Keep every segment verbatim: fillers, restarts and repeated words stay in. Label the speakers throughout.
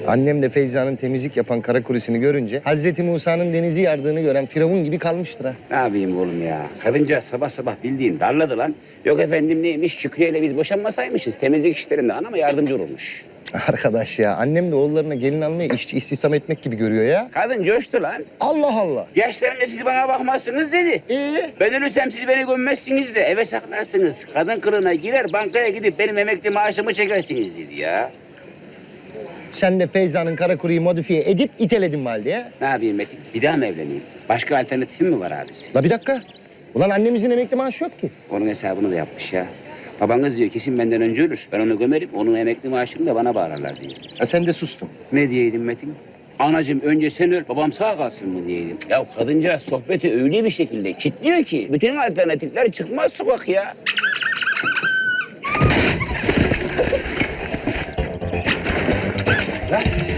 Speaker 1: Annem de Feyza'nın temizlik yapan kara kulisini görünce Hazreti Musa'nın denizi yardığını gören Firavun gibi kalmıştır ha.
Speaker 2: Ne yapayım oğlum ya? Kadıncağız sabah sabah bildiğin darladı lan. Yok efendim neymiş, Şükrü ile biz boşanmasaymışız. Temizlik işlerinde anama yardımcı olmuş.
Speaker 1: Arkadaş ya, annem de oğullarına gelin almaya işçi istihdam etmek gibi görüyor ya.
Speaker 2: Kadın coştu lan.
Speaker 1: Allah Allah.
Speaker 2: Yaşlarında siz bana bakmazsınız dedi.
Speaker 1: Ee?
Speaker 2: Ben ölürsem siz beni gömmezsiniz de eve saklarsınız. Kadın kılığına girer bankaya gidip benim emekli maaşımı çekersiniz dedi ya.
Speaker 1: Sen de Feyza'nın kara kuruyu modifiye edip iteledin valide ya.
Speaker 2: Ne yapayım Metin? Bir daha mı evleneyim? Başka alternatifim mi var abisi?
Speaker 1: La bir dakika. Ulan annemizin emekli maaşı yok ki.
Speaker 2: Onun hesabını da yapmış ya. Babanız diyor kesin benden önce ölür. Ben onu gömerim. Onun emekli maaşını da bana bağlarlar diyor.
Speaker 1: Ha sen de sustun.
Speaker 2: Ne diyeydim Metin? Anacığım önce sen öl, babam sağ kalsın mı diyeydim. Ya kadıncağız sohbeti öyle bir şekilde kilitliyor ki bütün alternatifler çıkmaz sokak ya. Lan.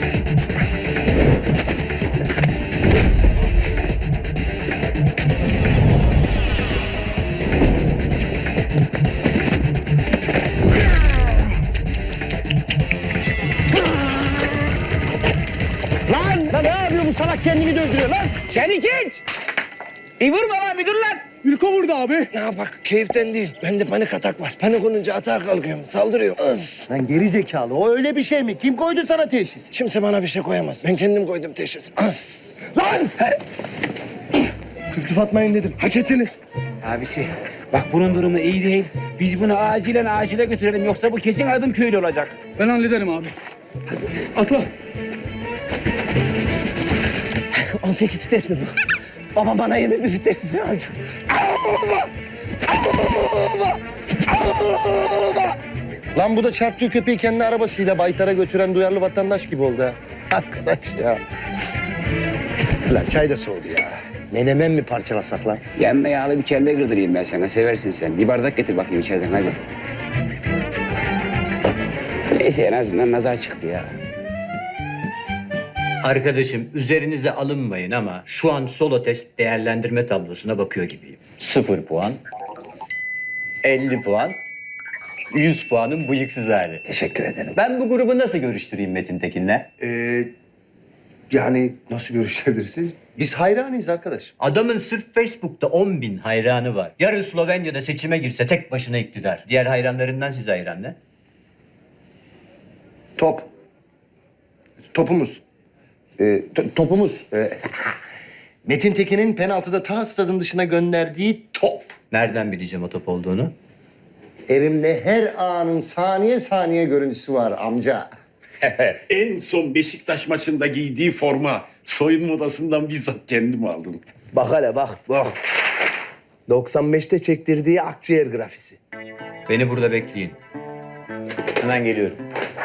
Speaker 1: Lan! Lan ne yapıyor bu salak, kendini döndürüyor lan?
Speaker 2: Şeniket! Bir vurma lan bir dur lan.
Speaker 3: Ülke vurdu abi.
Speaker 4: Ya bak keyiften değil. Bende panik atak var. Panik olunca atağa kalkıyorum. Saldırıyorum. Öf.
Speaker 1: Lan geri zekalı, o öyle bir şey mi? Kim koydu sana teşhis?
Speaker 4: Kimse bana bir şey koyamaz. Ben kendim koydum teşhis. Öf.
Speaker 1: Lan!
Speaker 4: Tüftüf atmayın dedim. Hak ettiniz.
Speaker 2: Abisi bak bunun durumu iyi değil. Biz bunu acilen acile götürelim yoksa bu kesin adım köylü olacak.
Speaker 3: Ben hallederim abi. Atla.
Speaker 4: on sekiz vites mi bu? Babam bana yirmi bir viteslisini alacak.
Speaker 1: Lan bu da çarptığı köpeği kendi arabasıyla baytara götüren duyarlı vatandaş gibi oldu ha. Arkadaş ya. Lan çay da soğudu ya. Menemen mi parçalasak lan?
Speaker 2: Yanına yağlı bir kelle kırdırayım ben sana. Seversin sen. Bir bardak getir bakayım içeriden hadi. Neyse en azından nazar çıktı ya.
Speaker 5: Arkadaşım üzerinize alınmayın ama şu an solo test değerlendirme tablosuna bakıyor gibiyim. Sıfır puan, elli puan, yüz puanın bıyıksız hali.
Speaker 1: Teşekkür ederim.
Speaker 5: Ben bu grubu nasıl görüştüreyim Metin Tekin'le?
Speaker 6: Ee, yani nasıl görüşebilirsiniz? Biz hayranıyız arkadaş.
Speaker 5: Adamın sırf Facebook'ta on bin hayranı var. Yarın Slovenya'da seçime girse tek başına iktidar. Diğer hayranlarından size hayran ne?
Speaker 6: Top. Topumuz.
Speaker 1: Ee, to- topumuz. Ee, Metin Tekin'in penaltıda ta stadın dışına gönderdiği top.
Speaker 5: Nereden bileceğim o top olduğunu?
Speaker 1: Elimde her anın saniye saniye görüntüsü var amca.
Speaker 7: En son Beşiktaş maçında giydiği forma soyunma odasından bizzat kendim aldım.
Speaker 4: Bak hele bak bak. doksan beşte çektirdiği akciğer grafisi.
Speaker 5: Beni burada bekleyin. Hemen geliyorum.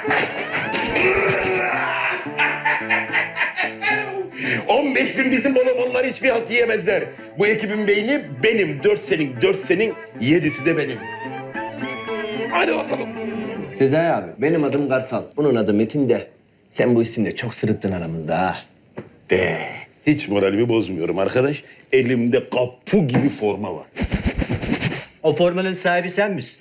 Speaker 7: on beş bin bizim bolomonlar hiçbir halt yiyemezler. Bu ekibin beyni benim. Dört senin, dört senin, yedisi de benim. Hadi bakalım.
Speaker 4: Sezai abi benim adım Kartal. Bunun adı Metin de. Sen bu isimle çok sırıttın aramızda ha.
Speaker 7: De, hiç moralimi bozmuyorum arkadaş. Elimde kapu gibi forma var.
Speaker 5: O formanın sahibi sen misin?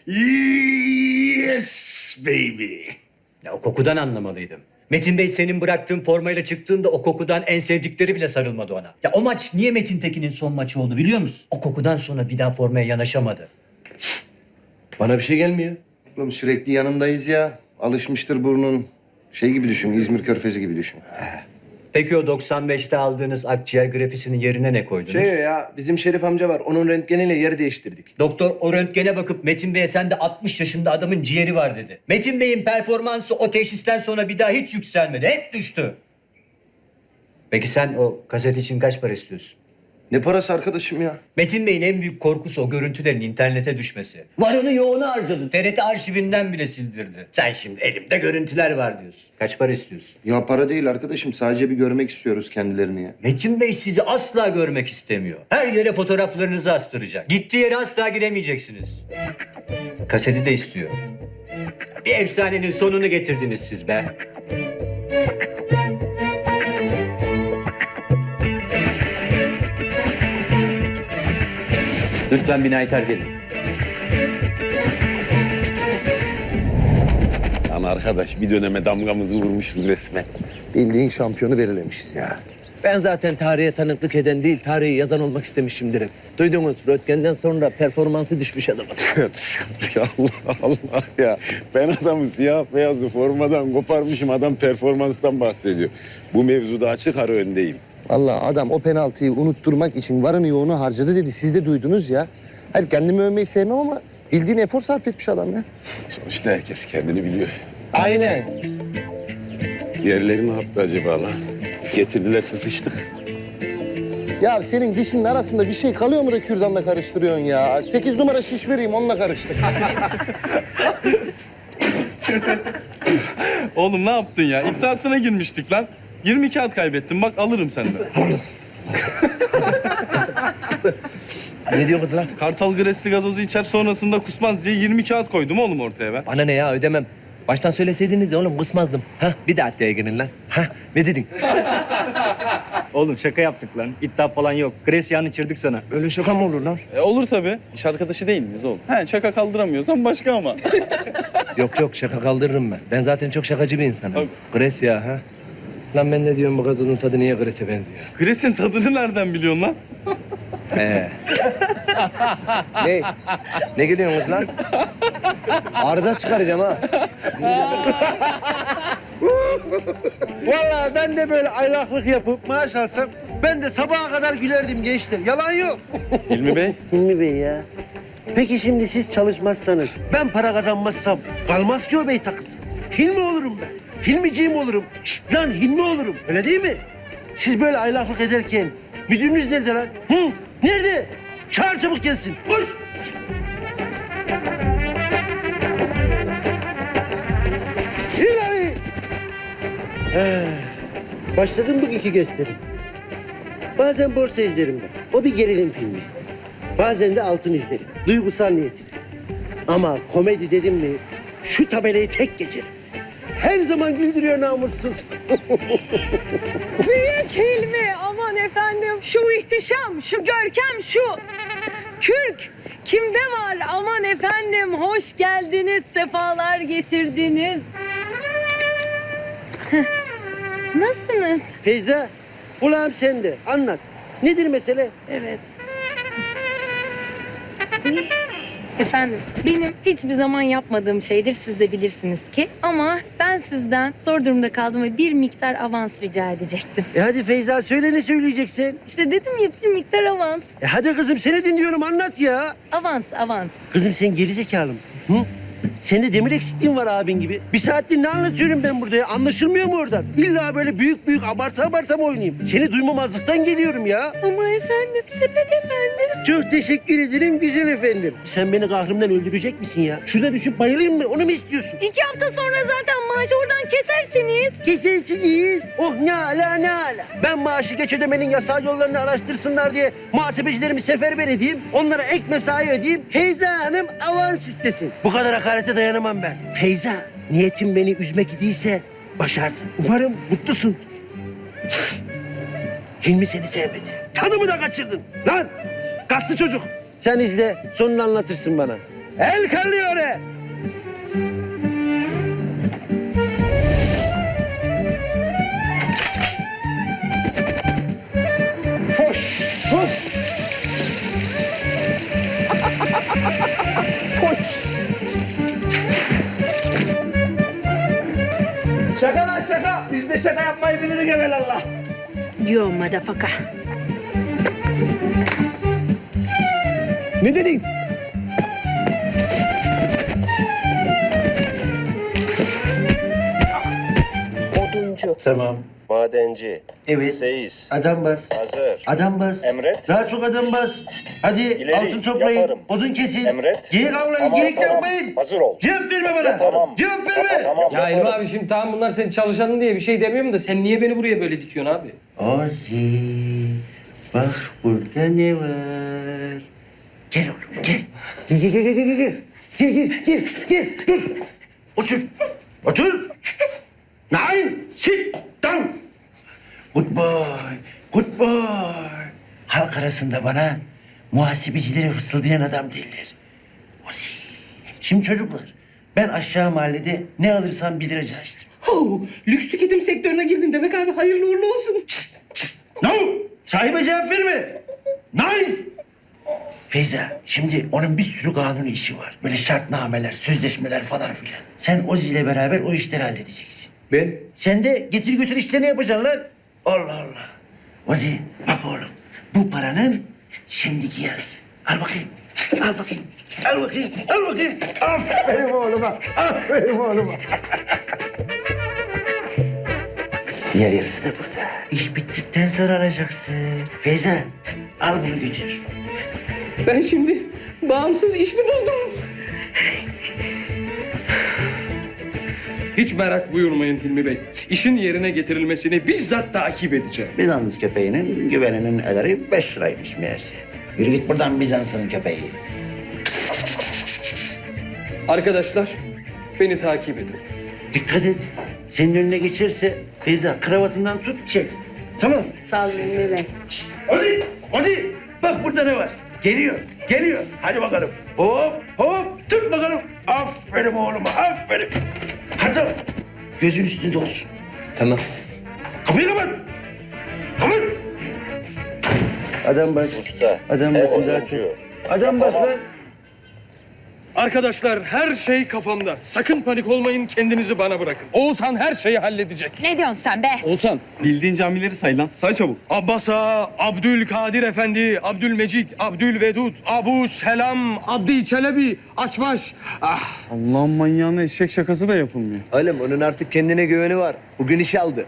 Speaker 7: Yes baby.
Speaker 5: Ya o kokudan anlamalıydım. Metin Bey senin bıraktığın formayla çıktığında o kokudan en sevdikleri bile sarılmadı ona. Ya o maç niye Metin Tekin'in son maçı oldu biliyor musun? O kokudan sonra bir daha formaya yanaşamadı.
Speaker 4: Bana bir şey gelmiyor.
Speaker 1: Oğlum sürekli yanındayız ya. Alışmıştır burnun. Şey gibi düşün, İzmir Körfezi gibi düşün.
Speaker 5: Peki o doksan beşte aldığınız akciğer grafisinin yerine ne koydunuz?
Speaker 4: Şey ya bizim Şerif amca var. Onun röntgeniyle yer değiştirdik.
Speaker 5: Doktor o röntgene bakıp Metin Bey'e sen de altmış yaşında adamın ciğeri var dedi. Metin Bey'in performansı o teşhisten sonra bir daha hiç yükselmedi. Hep düştü. Peki sen o kaset için kaç para istiyorsun?
Speaker 6: Ne parası arkadaşım ya?
Speaker 5: Metin Bey'in en büyük korkusu o görüntülerin internete düşmesi. Varını yoğunu harcadı. T R T arşivinden bile sildirdi. Sen şimdi elimde görüntüler var diyorsun. Kaç para istiyorsun?
Speaker 6: Ya para değil arkadaşım. Sadece bir görmek istiyoruz kendilerini ya.
Speaker 5: Metin Bey sizi asla görmek istemiyor. Her yere fotoğraflarınızı astıracak. Gittiği yere asla giremeyeceksiniz. Kaseti de istiyor. Bir efsanenin sonunu getirdiniz siz be. Lütfen binayı terk edin.
Speaker 7: Tamam. arkadaş. Bir döneme damgamızı vurmuşuz resmen.
Speaker 1: Bildiğin şampiyonu belirlemişiz ya.
Speaker 4: Ben zaten tarihe tanıklık eden değil, tarihi yazan olmak istemişimdir hep. Duydunuz, Röntgen'den sonra performansı düşmüş adamın.
Speaker 7: Ya Allah Allah ya. Ben adamı siyah beyazı formadan koparmışım. Adam performanstan bahsediyor. Bu mevzuda açık ara öndeyim.
Speaker 1: Vallahi adam o penaltıyı unutturmak için varını yoğunu harcadı dedi. Siz de duydunuz ya. Hayır kendimi övmeyi sevmem ama bildiğin efor sarf etmiş adam ya.
Speaker 7: Sonuçta herkes kendini biliyor.
Speaker 1: Aynen.
Speaker 7: Yerleri ne yaptı acaba lan? Getirdilerse sıçtık.
Speaker 1: Ya senin dişinin arasında bir şey kalıyor mu da kürdanla karıştırıyorsun ya? Sekiz numara şiş vereyim onunla karıştır.
Speaker 8: Oğlum ne yaptın ya? İddiasına girmiştik lan. yirmi kağıt kaybettim. Bak alırım senden.
Speaker 4: Ne diyorsun lan?
Speaker 8: Kartal Gresli gazozu içer sonrasında kusmaz diye yirmi kağıt koydum oğlum ortaya ben.
Speaker 4: Bana ne ya, ödemem. Baştan söyleseydiniz ya oğlum, kısmazdım. Ha, bir de adliye girin lan. Ha, ne dedin?
Speaker 9: Oğlum şaka yaptık lan. İddia falan yok. Gresya'nı içirdik sana.
Speaker 4: Öyle şaka mı olur lan?
Speaker 8: E, olur tabii. İş arkadaşı değil miyiz oğlum? He şaka kaldıramıyorsan başka ama.
Speaker 4: Yok yok, şaka kaldırırım ben. Ben zaten çok şakacı bir insanım.
Speaker 8: Tabii.
Speaker 4: Gresya ha? Lan ben ne diyorum, bu gazozun tadı niye Gres'e benziyor?
Speaker 8: Gres'in tadını nereden biliyorsun lan?
Speaker 4: He. Ne? Ne gülüyorsunuz lan?
Speaker 1: Arda çıkaracağım ha.
Speaker 10: Vallahi ben de böyle aylaklık yapıp maaş alsam ben de sabaha kadar gülerdim gençler. Yalan yok.
Speaker 8: Hilmi Bey.
Speaker 10: Hilmi Bey ya. Peki şimdi siz çalışmazsanız, ben para kazanmazsam kalmaz ki o bey takısı. Hilmi olurum ben. Hilmiciğim olurum. Şşt lan Hilmi olurum. Öyle değil mi? Siz böyle aylaklık ederken müdürünüz nerede lan? Hı? Nerede? Çağır çabuk gelsin. Koş. İlahi. Ee, başladım bugünkü gösterim. Bazen borsa izlerim ben. O bir gerilim filmi. Bazen de altın izlerim. Duygusal niyetine. Ama komedi dedim mi şu tabelayı tek geçerim. Her zaman güldürüyor namussuz.
Speaker 11: Büyük Hilmi, aman efendim şu ihtişam, şu görkem, şu kürk kimde var? Aman efendim hoş geldiniz, sefalar getirdiniz. Heh. Nasılsınız?
Speaker 10: Feyza, kulağım sende. Anlat. Nedir mesele?
Speaker 11: Evet. Efendim, benim hiçbir zaman yapmadığım şeydir, siz de bilirsiniz ki. Ama ben sizden zor durumda kaldım ve bir miktar avans rica edecektim.
Speaker 10: E hadi Feyza söyle, ne söyleyeceksin?
Speaker 11: İşte dedim ya, bir miktar avans.
Speaker 10: E hadi kızım, seni dinliyorum, anlat ya.
Speaker 11: Avans, avans.
Speaker 10: Kızım sen gerizekalı mısın? Hı? Sende demir eksikliğin var abin gibi. Bir saattir ne anlatıyorum ben burada ya? Anlaşılmıyor mu oradan? İlla böyle büyük büyük abartı abartı mı oynayayım? Seni duymamazlıktan geliyorum ya.
Speaker 11: Ama efendim, sepet efendim.
Speaker 10: Çok teşekkür ederim güzel efendim. Sen beni kahrımdan öldürecek misin ya? Şurada düşüp bayılayım mı? Onu mu istiyorsun?
Speaker 11: İki hafta sonra zaten maaşı oradan kesersiniz.
Speaker 10: Kesersiniz. Oh ne ala ne ala. Ben maaşı geç ödemenin yasal yollarını araştırsınlar diye muhasebecilerimi seferber edeyim. Onlara ek mesai ödeyeyim. Feyza Hanım avans istesin. Bu kadar hakarete dayanamam ben. Feyza, niyetin beni üzmek idiyse başardın. Umarım mutlusundur. Hilmi seni sevmedi. Tadımı da kaçırdın. Lan kaslı çocuk. Sen izle, sonunu anlatırsın bana. El kallıyor he. Foş, foş. Foş.
Speaker 4: Şaka lan şaka. Biz de şaka yapmayı biliriz evelallah.
Speaker 11: Yo madafaka.
Speaker 10: Ne dedin?
Speaker 11: Oduncu.
Speaker 10: Tamam.
Speaker 6: Madenci.
Speaker 10: Evet.
Speaker 6: Seyis.
Speaker 10: Adam bas.
Speaker 6: Hazır.
Speaker 10: Adam bas.
Speaker 6: Emret.
Speaker 10: Daha çok adam bas. Hadi
Speaker 6: İleri,
Speaker 10: altın toplayın.
Speaker 6: yaparım.
Speaker 10: Odun kesin.
Speaker 6: Emret.
Speaker 10: Geyik avlayın.
Speaker 6: Tamam,
Speaker 10: Geyik
Speaker 6: tamam.
Speaker 10: yapmayın.
Speaker 6: Hazır ol.
Speaker 10: Cevap verme bana.
Speaker 6: Yaparım.
Speaker 10: Cevap verme.
Speaker 6: Tamam.
Speaker 9: Ya
Speaker 6: yaparım.
Speaker 9: Hilmi abi şimdi tamam bunlar senin çalışanın diye bir şey demiyorum da sen niye beni buraya böyle dikiyorsun abi?
Speaker 10: Ozi. Bak burada ne var? Gel oğlum gel. Gel gel gel gel gel. Gel gel gel gel. Dur. Otur. Otur. Nein. Sit down. Good boy. Good boy. Halk arasında bana muhasebecileri fısıldayan adam derler. Ozi. Şimdi çocuklar, Ben aşağı mahallede ne alırsam bir liracı açtım.
Speaker 3: Oh, lüks tüketim sektörüne girdin demek abi. Hayırlı uğurlu olsun.
Speaker 10: No! Sahibe cevap verme. Nein! Feyza, şimdi onun bir sürü kanuni işi var. Böyle şartnameler, sözleşmeler falan filan. Sen Ozi ile beraber o işleri halledeceksin.
Speaker 5: Ben?
Speaker 10: Sen de getir götür işlerini yapacaksın lan. Allah Allah. Ozi, bak oğlum. Bu paranın şimdiki yarısı. Al bakayım. Al bakayım. Al bakayım. Al bakayım. Aferin oğluma. Aferin oğluma. Diğer yarısı da burada. İş bittikten sonra alacaksın. Feyza, al bunu götür.
Speaker 3: Ben şimdi bağımsız iş mi buldum? Hiç merak buyurmayın Hilmi Bey. İşin yerine getirilmesini bizzat takip edeceğim.
Speaker 10: Bizans köpeğinin güveninin ederi beş liraymış meğerse. Yürü git buradan Bizans'ın köpeği.
Speaker 3: Arkadaşlar, beni takip edin.
Speaker 10: Dikkat et. Senin önüne geçerse Feyza kravatından tut çek. Tamam.
Speaker 11: Sağ olun Hilmi Bey.
Speaker 10: Ozi, Ozi. Bak burada ne var? Geliyor, geliyor. Hadi bakalım. Hop, hop. Tut bakalım. Aferin oğluma, aferin. Hadi. Gözün üstünde olsun.
Speaker 4: Tamam.
Speaker 10: Kapıyı kapat. Kapat. Adam bas.
Speaker 1: Usta.
Speaker 10: Adam
Speaker 1: ev
Speaker 10: basın daha
Speaker 1: oyuncu.
Speaker 10: çok. Adam bas lan.
Speaker 3: Arkadaşlar her şey kafamda. Sakın panik olmayın, kendinizi bana bırakın. Oğuzhan her şeyi halledecek.
Speaker 11: Ne diyorsun sen be?
Speaker 8: Oğuzhan bildiğin camileri say lan. Say çabuk.
Speaker 3: Abbas Ağa, Abdülkadir Efendi, Abdülmecid, Abdülvedud, Abu Selam, Abdi Çelebi, Açbaş. Ah,
Speaker 8: Allah'ın manyağına eşek şakası da yapılmıyor.
Speaker 4: Oğlum onun artık kendine güveni var. Bugün iş aldı.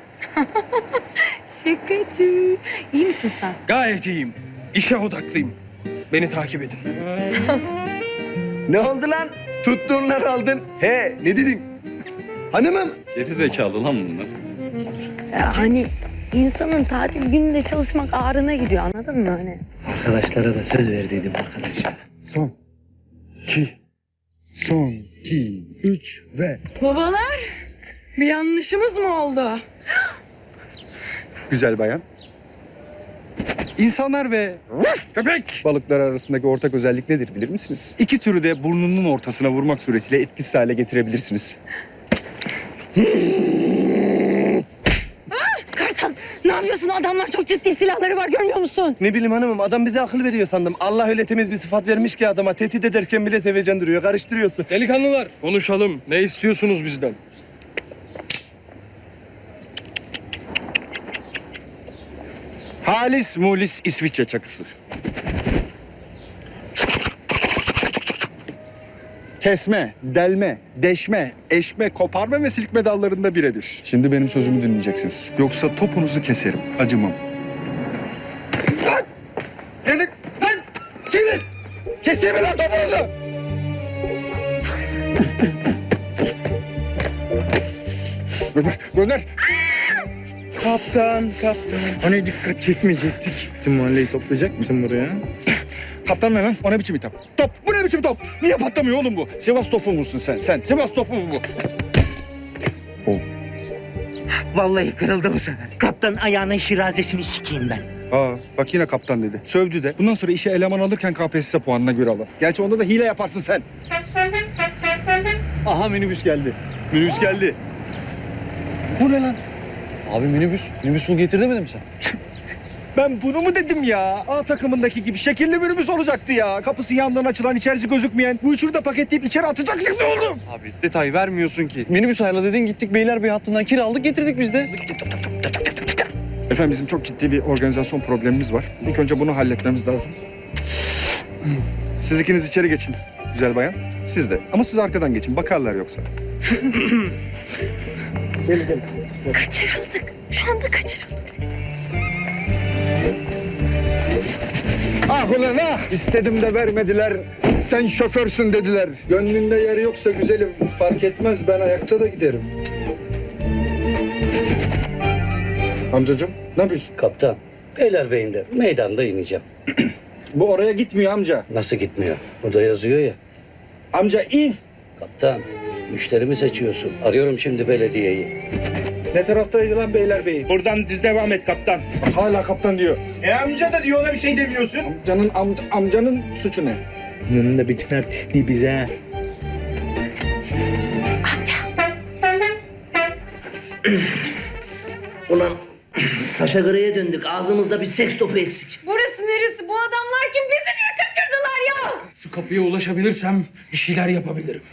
Speaker 11: Şakacı. İyi misin sen?
Speaker 3: gayet iyiyim. İşe odaklıyım. Beni takip edin.
Speaker 4: Ne oldu lan? Tuttuğunla kaldın. He ne dedin? Hanımım.
Speaker 8: Geri zekalı lan bunlar.
Speaker 11: Ya hani insanın tatil gününde çalışmak ağrına gidiyor, anladın mı hani?
Speaker 10: Arkadaşlara da söz verdiydim arkadaşlar.
Speaker 1: Son. iki. Son. iki. Üç ve...
Speaker 11: Babalar, bir yanlışımız mı oldu?
Speaker 12: Güzel bayan. İnsanlar ve
Speaker 3: Köpek!
Speaker 12: balıklar arasındaki ortak özellik nedir bilir misiniz? İki türü de burnunun ortasına vurmak suretiyle etkisiz hale getirebilirsiniz.
Speaker 11: Kartal, ne yapıyorsun? Adamlar çok ciddi silahları var, görmüyor musun?
Speaker 4: Ne bileyim hanımım adam bize akıl veriyor sandım. Allah öyle temiz bir sıfat vermiş ki adama tehdit ederken bile sevecen duruyor. Karıştırıyorsun.
Speaker 3: Delikanlılar, konuşalım. Ne istiyorsunuz bizden?
Speaker 12: Halis mulis İsviçre çakısı. Kesme, delme, deşme, eşme, koparma ve silkme dallarında birebir. Şimdi benim sözümü dinleyeceksiniz. Yoksa topunuzu keserim, acımam. Lan! Dedik, lan! Çevir! Keseyim mi lan topunuzu? Gönder, gönder! Kaptan, kaptan. Hani dikkat çekmeyecektik. Bütün mahalleyi toplayacak mısın buraya? Kaptan ne lan? O ne biçim hitap? Top! Bu ne biçim top? Niye patlamıyor oğlum bu? Sivas topu musun sen? Sen Sivas topu mu bu?
Speaker 10: Vallahi kırıldı bu sefer. Kaptan ayağının şirazesini sikeyim ben.
Speaker 12: Aa, bak yine kaptan dedi. Sövdü de. Bundan sonra işe eleman alırken K P S S puanına göre alır. Gerçi onda da hile yaparsın sen. Aha minibüs geldi. Minibüs geldi. Bu ne lan?
Speaker 1: Abi minibüs. Minibüs bu getir demedim sen.
Speaker 12: Ben bunu mu dedim ya? A takımındaki gibi şekilli minibüs olacaktı ya. Kapısı yandan açılan, içerisi gözükmeyen. Bu üçünü de paketleyip içeri atacaktık ne oğlum?
Speaker 8: Abi detay vermiyorsun ki.
Speaker 1: Minibüs ayarla dedin gittik Beylerbeyi hattından kiraladık getirdik biz de.
Speaker 12: Efendim bizim çok ciddi bir organizasyon problemimiz var. İlk önce bunu halletmemiz lazım. Siz ikiniz içeri geçin güzel bayan. Siz de. Ama siz arkadan geçin. Bakarlar yoksa.
Speaker 11: Kaçırıldık. Şu anda kaçırıldık.
Speaker 12: Ah ulan ah! İstedim de vermediler. Sen şoförsün dediler. Gönlünde yeri yoksa güzelim. Fark etmez ben ayakta da giderim. Amcacığım ne yapıyorsun?
Speaker 2: Kaptan, Beylerbeyi'nde meydanda ineceğim.
Speaker 12: Bu oraya gitmiyor amca.
Speaker 2: Nasıl gitmiyor? Burada yazıyor ya.
Speaker 12: Amca in.
Speaker 2: Kaptan, müşterimi seçiyorsun. Arıyorum şimdi belediyeyi.
Speaker 12: Ne taraftaydı lan Beylerbeyi?
Speaker 7: Buradan düz devam et kaptan.
Speaker 12: Bak, hala kaptan diyor.
Speaker 7: E amca da diyor ona bir şey demiyorsun.
Speaker 12: Amcanın amca, amcanın suçu ne?
Speaker 10: Bunun da bütün artistliği bize.
Speaker 4: Ulan Saşa Grey'e döndük. Ağzımızda bir seks topu eksik.
Speaker 11: Burası neresi? Bu adamlar kim? Bizi niye kaçırdılar ya?
Speaker 3: Şu kapıya ulaşabilirsem bir şeyler yapabilirim.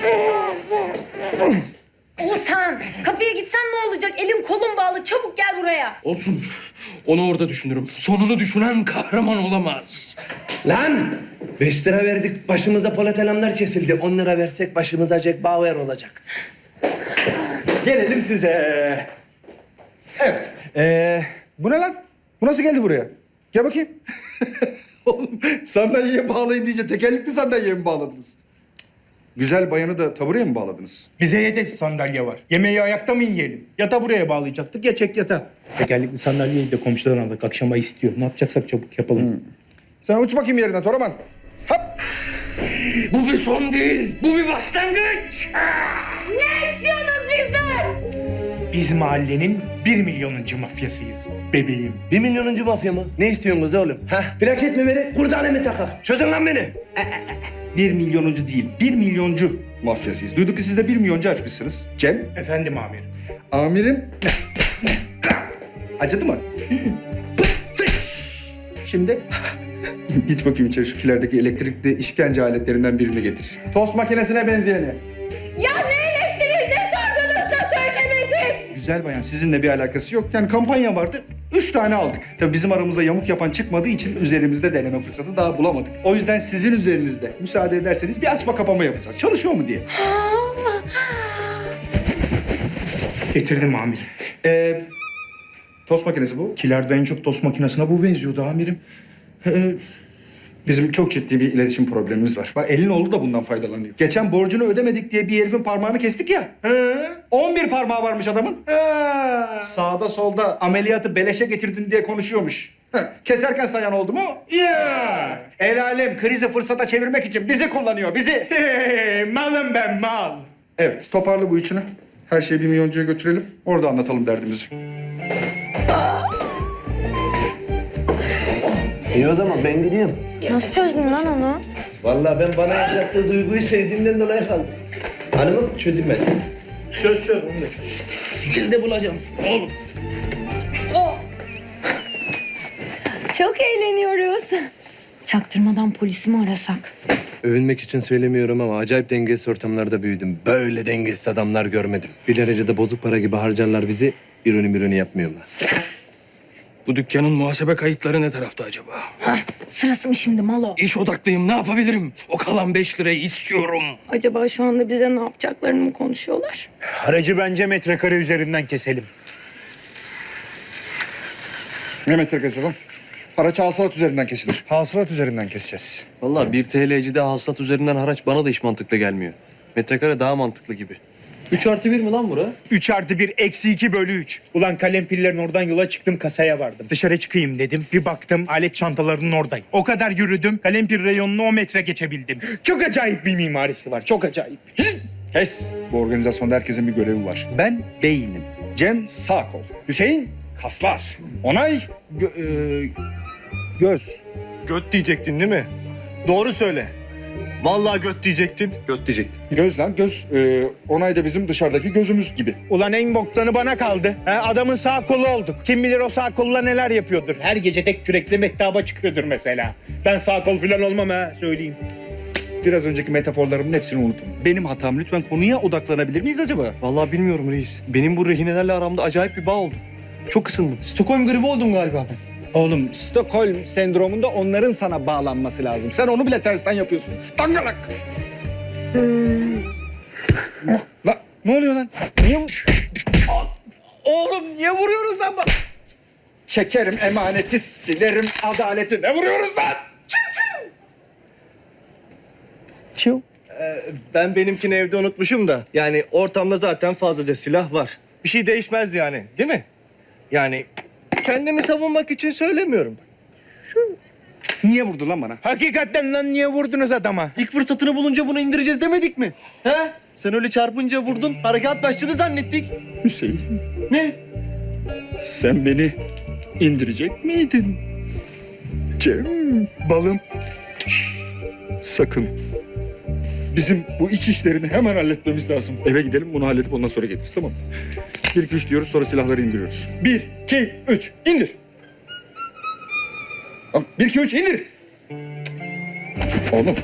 Speaker 11: Oğuzhan, kapıya gitsen ne olacak? Elin kolun bağlı. Çabuk gel buraya.
Speaker 3: Olsun. Onu orada düşünürüm. Sonunu düşünen kahraman olamaz.
Speaker 4: Lan! Beş lira verdik, başımıza Polat Alemdar kesildi. On lira versek başımıza Jack Bauer olacak.
Speaker 12: Gelelim size. Evet. Ee, bu ne lan? Bu nasıl geldi buraya? Gel bakayım. Oğlum sandalyeye bağlayın deyince tekerlekli sandalyeye mi bağladınız? Güzel bayanı da tabureye mi bağladınız?
Speaker 13: Bize yedek sandalye var. Yemeği ayakta mı yiyelim? Yata buraya bağlayacaktık, ya çek yata. Tekerlekli sandalyeyi de komşudan aldık. Akşama istiyor. Ne yapacaksak çabuk yapalım.
Speaker 12: Hmm. Sen uç bakayım yerine Toraman. Hop!
Speaker 3: Bu bir son değil. Bu bir başlangıç.
Speaker 11: Ne istiyorsunuz bizden?
Speaker 13: Biz mahallenin bir milyonuncu mafyasıyız bebeğim.
Speaker 4: Bir milyonuncu mafya mı? Ne istiyorsunuz oğlum? Hah, plaket mi verin, kurdane mi takak? Çözün lan beni.
Speaker 12: Bir milyonuncu değil, bir milyoncu mafyasıyız. Duyduk ki siz de bir milyoncu açmışsınız. Cem,
Speaker 13: Efendim amirim.
Speaker 12: amirim. Acıdı mı? Şimdi git bakayım içeri şu kilerdeki elektrikli işkence aletlerinden birini getir. Tost makinesine benzeyeni.
Speaker 11: Ya ne elektriği ne sordunuz da söylemedik?
Speaker 12: Güzel bayan, sizinle bir alakası yok. Yani kampanya vardı, üç tane aldık. Tabii bizim aramızda yamuk yapan çıkmadığı için üzerimizde deneme fırsatı daha bulamadık. O yüzden sizin üzerinizde müsaade ederseniz bir açma kapama yapacağız. Çalışıyor mu diye.
Speaker 13: Getirdim amirim.
Speaker 12: Ee, tost makinesi bu.
Speaker 13: Kilerde en çok tost makinesine bu benziyordu amirim.
Speaker 12: Ee, bizim çok ciddi bir iletişim problemimiz var. Bak elin oğlu da bundan faydalanıyor. Geçen borcunu ödemedik diye bir herifin parmağını kestik ya. He. on bir parmağı varmış adamın. He. Sağda solda ameliyatı beleşe getirdin diye konuşuyormuş. He. Keserken sayan oldu mu? Ya. El alem krizi fırsata çevirmek için bizi kullanıyor, bizi.
Speaker 13: Hey, malım ben mal.
Speaker 12: Evet, toparla bu üçünü. Her şeyi bir milyoncuya götürelim. Orada anlatalım derdimizi.
Speaker 4: İyi o zaman ben gidiyorum.
Speaker 11: Nasıl çözdün lan onu?
Speaker 4: Vallahi ben bana yaşattığı duyguyu sevdiğimden dolayı kaldım. Hanımım çözülmez.
Speaker 13: Çöz çöz onu da çöz.
Speaker 3: Sihirde bulacağım seni oğlum.
Speaker 11: Çok eğleniyoruz. Çaktırmadan polisi mi arasak?
Speaker 4: Övünmek için söylemiyorum ama acayip dengesiz ortamlarda büyüdüm. Böyle dengesiz adamlar görmedim. Bir derecede bozuk para gibi harcarlar bizi. Ürünü mürünü yapmıyorlar.
Speaker 3: Bu dükkanın muhasebe kayıtları ne tarafta acaba?
Speaker 11: Hah, sırası mı şimdi Malo?
Speaker 3: İş odaklıyım, ne yapabilirim? O kalan beş lirayı istiyorum.
Speaker 11: Acaba şu anda bize ne yapacaklarını mı konuşuyorlar?
Speaker 13: Aracı bence metrekare üzerinden keselim.
Speaker 12: Ne metrekesi lan? Araç hasılat üzerinden kesilir. Hasılat üzerinden keseceğiz.
Speaker 8: Vallahi bir T L'cide hasılat üzerinden haraç bana da hiç mantıklı gelmiyor. Metrekare daha mantıklı gibi.
Speaker 4: Üç artı bir mi lan bura?
Speaker 13: Üç artı bir eksi iki bölü üç. Ulan kalem pillerin oradan yola çıktım, kasaya vardım. Dışarı çıkayım dedim. Bir baktım alet çantalarının oradayım. O kadar yürüdüm. Kalem pil reyonunu o metre geçebildim. Çok acayip bir mimarisi var. Çok acayip.
Speaker 12: Kes. Bu organizasyonda herkesin bir görevi var. Ben beynim. Cem sağ kol. Hüseyin kaslar. Onay gö- e, göz.
Speaker 8: Göt diyecektin değil mi? Doğru söyle. Vallahi göt diyecektin. Göt diyecektin.
Speaker 12: Göz lan göz. E, onay da bizim dışarıdaki gözümüz gibi.
Speaker 13: Ulan en boktanı bana kaldı. Ha, adamın sağ kolu olduk. Kim bilir o sağ kolla neler yapıyordur. Her gece tek kürekle mektaba çıkıyordur mesela. Ben sağ kol falan olmam ha, söyleyeyim.
Speaker 12: Biraz önceki metaforlarımın hepsini unutun. Benim hatam. Lütfen konuya odaklanabilir miyiz acaba?
Speaker 8: Vallahi bilmiyorum reis. Benim bu rehinelerle aramda acayip bir bağ oldu. Çok ısındım.
Speaker 12: Stockholm gribi oldum galiba.
Speaker 14: Oğlum Stockholm sendromunda onların sana bağlanması lazım. Sen onu bile tersten yapıyorsun.
Speaker 12: Dangalak. La, ne oluyor lan? Niye vur... Oğlum niye vuruyoruz lan bak? Çekerim emaneti, silerim adaleti. Ne vuruyoruz lan?
Speaker 14: Çiu.
Speaker 8: Ben benimkini evde unutmuşum da. Yani ortamda zaten fazlaca silah var. Bir şey değişmez yani, değil mi? Yani kendimi savunmak için söylemiyorum.
Speaker 12: Niye vurdu lan bana?
Speaker 13: Hakikaten lan niye vurdunuz adama?
Speaker 8: İlk fırsatını bulunca bunu indireceğiz demedik mi? He? Sen öyle çarpınca vurdun, harekat başladı zannettik.
Speaker 12: Hüseyin,
Speaker 8: Ne?
Speaker 12: sen beni indirecek miydin? Cem, balım. Sakın. Bizim bu iç işlerini hemen halletmemiz lazım. Eve gidelim, bunu halledip ondan sonra geliriz, tamam mı? Bir, iki, üç diyoruz sonra silahları indiriyoruz. Bir, iki, üç, indir. Tamam, bir, iki, üç, indir. Oğlum.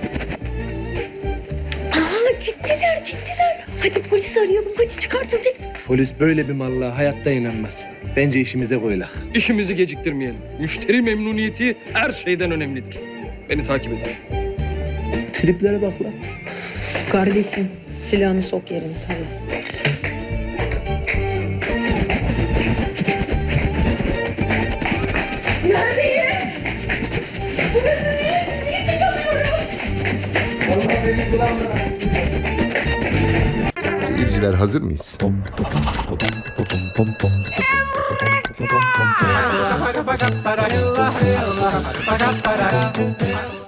Speaker 11: Aa gittiler gittiler. Hadi polisi arayalım. Hadi çıkartın tek.
Speaker 4: Polis böyle bir mallığa hayatta inanmaz. Bence işimize koyulak.
Speaker 3: İşimizi geciktirmeyelim. Müşteri memnuniyeti her şeyden önemlidir. Beni takip edin.
Speaker 4: Triplere bak lan.
Speaker 11: Kardeşim silahını sok yerine tabii. Neredeyiz? Burası niye? Niye çıkamıyoruz?
Speaker 6: Seyirciler hazır mıyız?